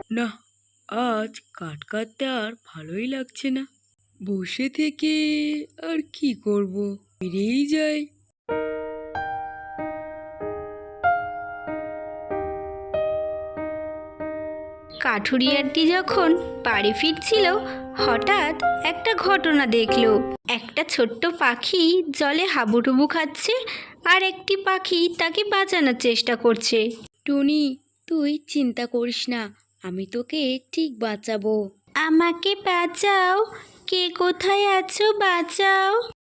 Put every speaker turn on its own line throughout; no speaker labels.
না, আজ কাঠ কাটতে আর ভালোই লাগছে না। বসে থেকে আর কি করব, বেরিয়েই যাই।
কাঠুরিয়াটি যখন বাড়ি ফিরছিল, হঠাৎ একটা ঘটনা দেখলো। একটা ছোট্ট পাখি জলে হাবুডুবু খাচ্ছে, আর একটি পাখি তাকে বাঁচানোর চেষ্টা করছে।
টুনি, তুই চিন্তা করিস না, আমি তোকে ঠিক বাঁচাবো।
আমাকে বাঁচাও, কে কোথায় আছো, বাঁচাও।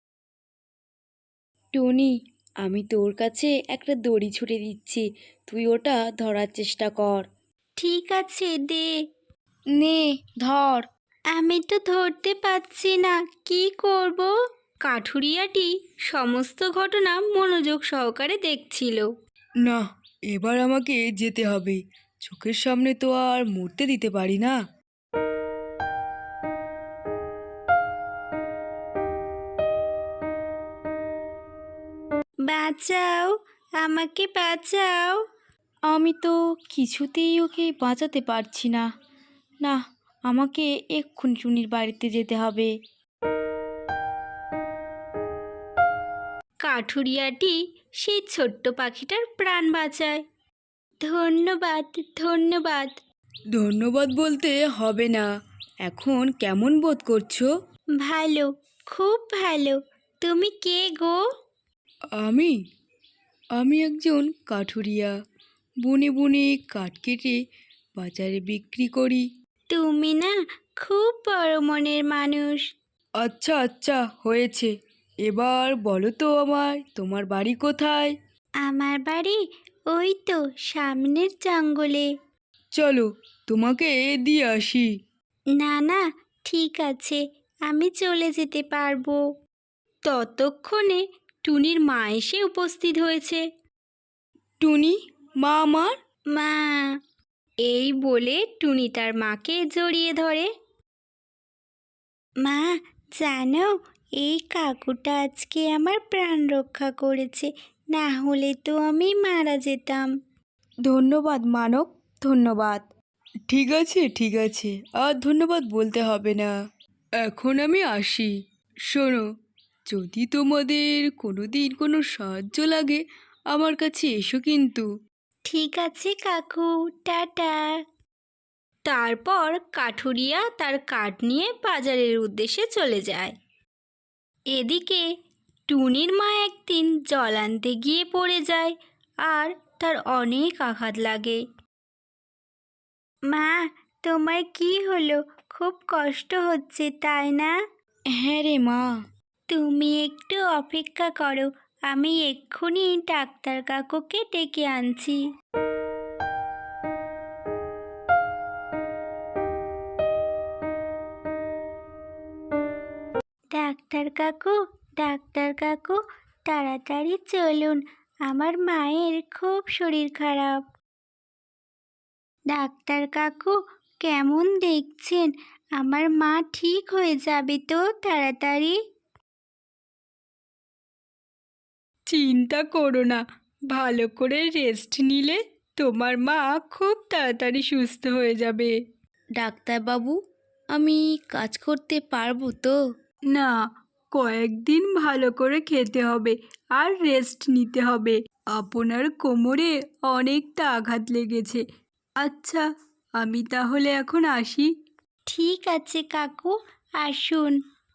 টুনি, আমি তোর কাছে একটা দড়ি ছুঁড়ে দিচ্ছি, তুই ওটা ধরার চেষ্টা কর।
ঠিক আছে, দে।
নে, ধর।
আমি তো ধরতে পারছি না, কি করব? কাঠুরিয়াটি সমস্ত ঘটনা মনোযোগ সহকারে দেখছিল।
না, এবার আমাকে যেতে হবে, চোখের সামনে তো আর মরতে দিতে পারি না।
বাঁচাও, আমাকে বাঁচাও।
আমি তো কিছুতেই ওকে বাঁচাতে পারছি না। না, আমাকে এক্ষুনি টুনির বাড়িতে যেতে হবে।
কাঠুরিয়াটি সেই ছোট্ট পাখিটার প্রাণ বাঁচায়। ধন্যবাদ, ধন্যবাদ।
ধন্যবাদ বলতে হবে না। এখন কেমন বোধ করছো?
ভালো, খুব ভালো। তুমি কে গো?
আমি আমি একজন কাঠুরিয়া, বনে বনে কাঠ কেটে বাজারে বিক্রি করি।
তুমি না খুব বড় মনের মানুষ।
আচ্ছা আচ্ছা, হয়েছে। এবার বলো তো আমায়, তোমার বাড়ি কোথায়?
আমার বাড়ি ওই তো সামনের জঙ্গলে।
চলো, তোমাকে দিয়ে আসি।
না না, ঠিক আছে, আমি চলে যেতে পারবো। ততক্ষণে টুনির মা এসে উপস্থিত হয়েছে।
টুনি, মা আমার।
মা, এই বলে টুনি তার মাকে জড়িয়ে ধরে। মা, জানো, এই কাকুটা আজকে আমার প্রাণ রক্ষা করেছে, না হলে তো আমি মারা যেতাম।
ধন্যবাদ মানব, ধন্যবাদ। ঠিক আছে ঠিক আছে, আর ধন্যবাদ বলতে হবে না। এখন আমি আসি। শোনো, যদি তোমাদের কোনো দিন কোনো সাহায্য লাগে, আমার কাছে এসো কিন্তু।
ঠিক আছে কাকু, টাটা। তারপর কাঠুরিয়া তার কাঠ নিয়ে বাজারের উদ্দেশ্যে চলে যায়। এদিকে টুনির মা একদিন জল আনতে গিয়ে পড়ে যায়, আর তার অনেক আঘাত লাগে। মা, তোমার কি হলো? খুব কষ্ট হচ্ছে, তাই না?
হ্যাঁ রে মা।
তুমি একটু অপেক্ষা করো, আমি এক্ষুনি ডাক্তার কাকুকে ডেকে আনছি। ডাক্তার কাকু, ডাক্তার কাকু, তাড়াতাড়ি চলুন, আমার মায়ের খুব শরীর খারাপ। ডাক্তার কাকু, কেমন দেখছেন? আমার মা ঠিক হয়ে যাবে তো তাড়াতাড়ি?
চিন্তা করো না, ভালো করে রেস্ট নিলে তোমার মা খুব তাড়াতাড়ি সুস্থ হয়ে যাবে। ডাক্তারবাবু, আমি কাজ করতে পারবো তো? না, কয়েকদিন ভালো করে খেতে হবে আর রেস্ট নিতে হবে। আপনার কোমরে অনেকটা আঘাত লেগেছে। আচ্ছা, আমি তাহলে এখন আসি।
ঠিক আছে কাকু, আসুন।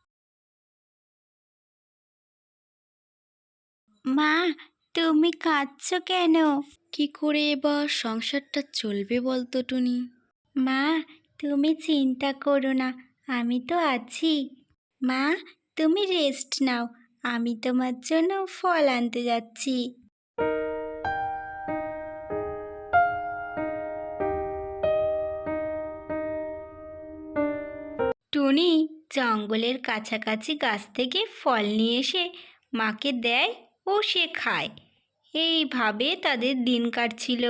মা, তুমি কাঁদছো কেন?
কি করে এবার সংসারটা চলবে বলতো টুনি?
মা, তুমি চিন্তা করো না, আমি তো আছি। মা, তুমি রেস্ট নাও, আমি তোমার জন্য ফল আনতে যাচ্ছি। টুনি জঙ্গলের কাছাকাছি গাছ থেকে ফল নিয়ে এসে মাকে দেয় ও সে খায়। এইভাবে তাদের দিন কাটছিল।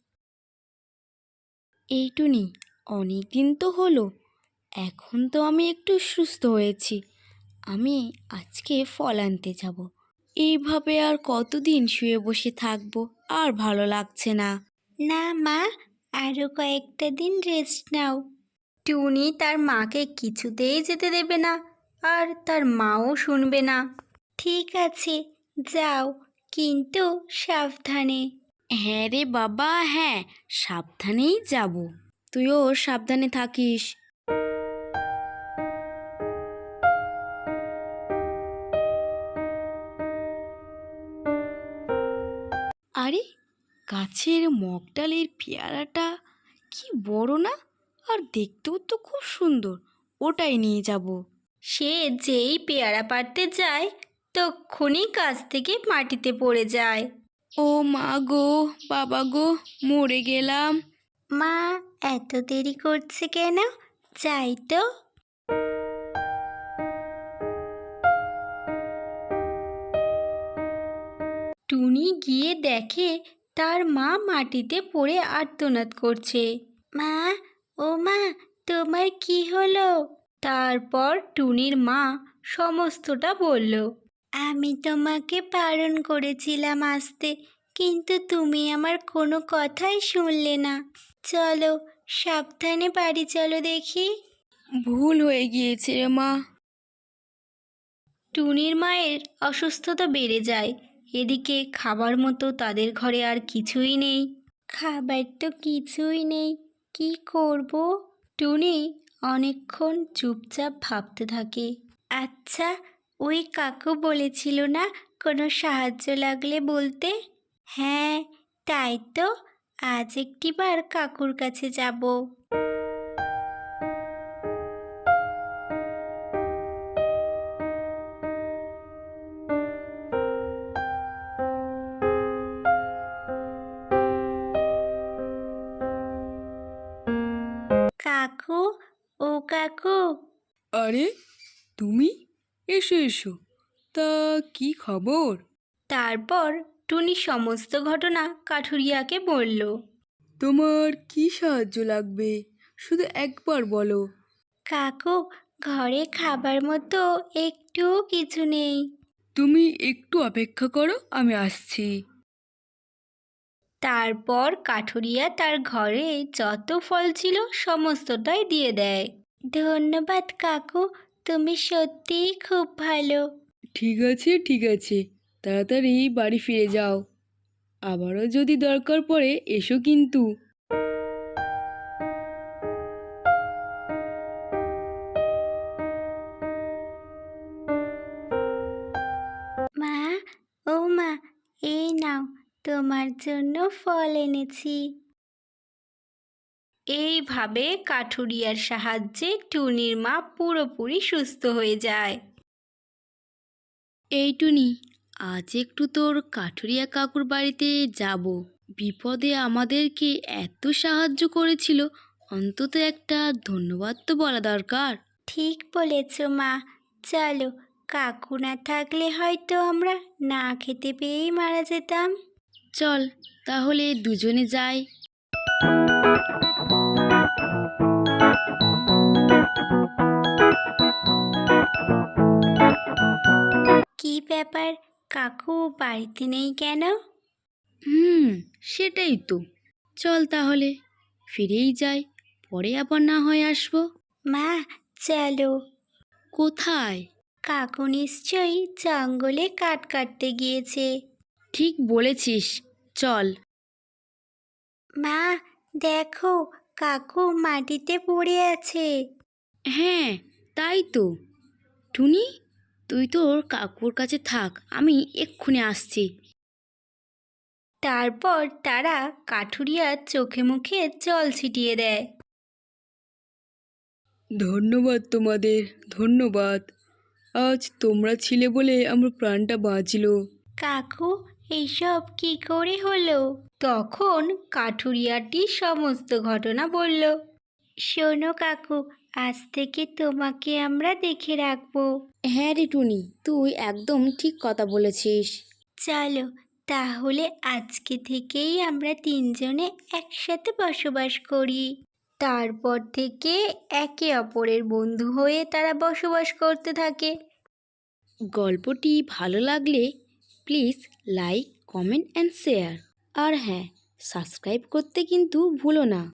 এই টুনি, অনেক দিন তো হলো, এখন তো আমি একটু সুস্থ হয়েছি। আমি আজকে ফল আনতে যাব। এইভাবে আর কতদিন শুয়ে বসে থাকবো, আর ভালো লাগছে না।
না মা, আরও কয়েকটা দিন রেস্ট নাও। টুনি তার মাকে কিছুতেই যেতে দেবে না, আর তার মাও শুনবে না। ঠিক আছে, যাও, কিন্তু সাবধানে।
হ্যাঁ রে বাবা, হ্যাঁ, সাবধানেই যাব। তুইও সাবধানে থাকিস। আরে, গাছের মগডালের পেয়ারাটা কি বড় না, আর দেখতেও তো খুব সুন্দর। ওটাই নিয়ে যাব।
সে যেই পেয়ারা পাড়তে যায়, তক্ষুনি গাছ থেকে মাটিতে পড়ে যায়।
ও মা গো, বাবা গো, মরে গেলাম।
মা, এত দেরি করছে কেন? যাই তো। টুনি গিয়ে দেখে তার মা মাটিতে পড়ে আর্তনাদ করছে। মা, ও মা, তোমার কি হলো? তারপর টুনির মা সমস্তটা বলল। আমি তোমাকে বারণ করেছিলাম আসতে, কিন্তু তুমি আমার কোনো কথাই শুনলে না। চলো, সাবধানে বাড়ি চলো দেখি।
ভুল হয়ে গিয়েছে রে মা।
টুনির মায়ের অসুস্থতা বেড়ে যায়। এদিকে খাবার মতো তাদের ঘরে আর কিছুই নেই। খাবার তো কিছুই নেই, কি করব? টুনি অনেকক্ষণ চুপচাপ ভাবতে থাকে। আচ্ছা, ওই কাকু বলেছিল না কোনো সাহায্য লাগলে বলতে? হ্যাঁ, তাই তো, আজ একটিবার কাকুর কাছে যাব। কাকু, ও কাকু।
আরে, তুমি? এসো এসো। তা কি খবর?
তারপর টুনি সমস্ত ঘটনা কাঠুরিয়াকে বলল।
তোমার কি সাহায্য লাগবে, শুধু একবার বলো।
কাকু, ঘরে খাবার মতো একটুও কিছু নেই।
তুমি একটু অপেক্ষা করো, আমি আসছি।
তারপর কাঠুরিয়া তার ঘরে যত ফল ছিল সমস্তটাই দিয়ে দেয়। ধন্যবাদ কাকু, তুমি সত্যিই খুব ভালো।
ঠিক আছে ঠিক আছে, তাড়াতাড়ি বাড়ি ফিরে যাও। আবারও যদি দরকার পড়ে এসো কিন্তু।
মা, ও মা, এই নাও, তোমার জন্য ফল এনেছি। এইভাবে কাঠুরিয়ার সাহায্যে টুনির মা পুরোপুরি সুস্থ হয়ে যায়।
এই টুনি, আজ একটু তোর কাঠুরিয়া কাকুর বাড়িতে যাব। বিপদে আমাদেরকে এত সাহায্য করেছিল, অন্তত একটা ধন্যবাদ তো বলা দরকার।
ঠিক বলেছ মা, চলো, কাকু না থাকলে হয়তো আমরা না খেতে পেয়েই মারা যেতাম।
চল তাহলে দুজনে যাই।
কি ব্যাপার, কাকু বাড়িতে নেই কেন?
সেটাই তো। চল তাহলে ফিরেই যাই, পরে আবার না হয় আসবো।
মা, চলো।
কোথায়?
কাকু নিশ্চয়ই জঙ্গলে কাঠ কাটতে গিয়েছে।
ঠিক বলেছিস, চল।
মা, দেখো, কাকু মাটিতে পড়ে আছে।
হ্যাঁ, তাই তো। টুনি, তুই তোর কাকুর কাছে থাক, আমি এক্ষুনি আসছি।
তারপর তারা কাঠুরিয়ার চোখে মুখে জল ছিটিয়ে দেয়।
ধন্যবাদ তোমাদের, ধন্যবাদ। আজ তোমরা ছিলে বলে আমার প্রাণটা বাঁচলো।
কাকু, এইসব কি করে হলো? তখন কাঠুরিয়াটি সমস্ত ঘটনা বলল। শোনো কাকু, আজ থেকে তোমাকে আমরা দেখে রাখবো।
হ্যাঁ রে টুনি, তুই একদম ঠিক কথা বলেছিস।
চলো, তাহলে আজকে থেকেই আমরা তিনজনে একসাথে বসবাস করি। তারপর থেকে একে অপরের বন্ধু হয়ে তারা বসবাস করতে থাকে।
গল্পটি ভালো লাগলে please like, comment and share. আর হ্যাঁ, সাবস্ক্রাইব করতে কিন্তু ভুলো না।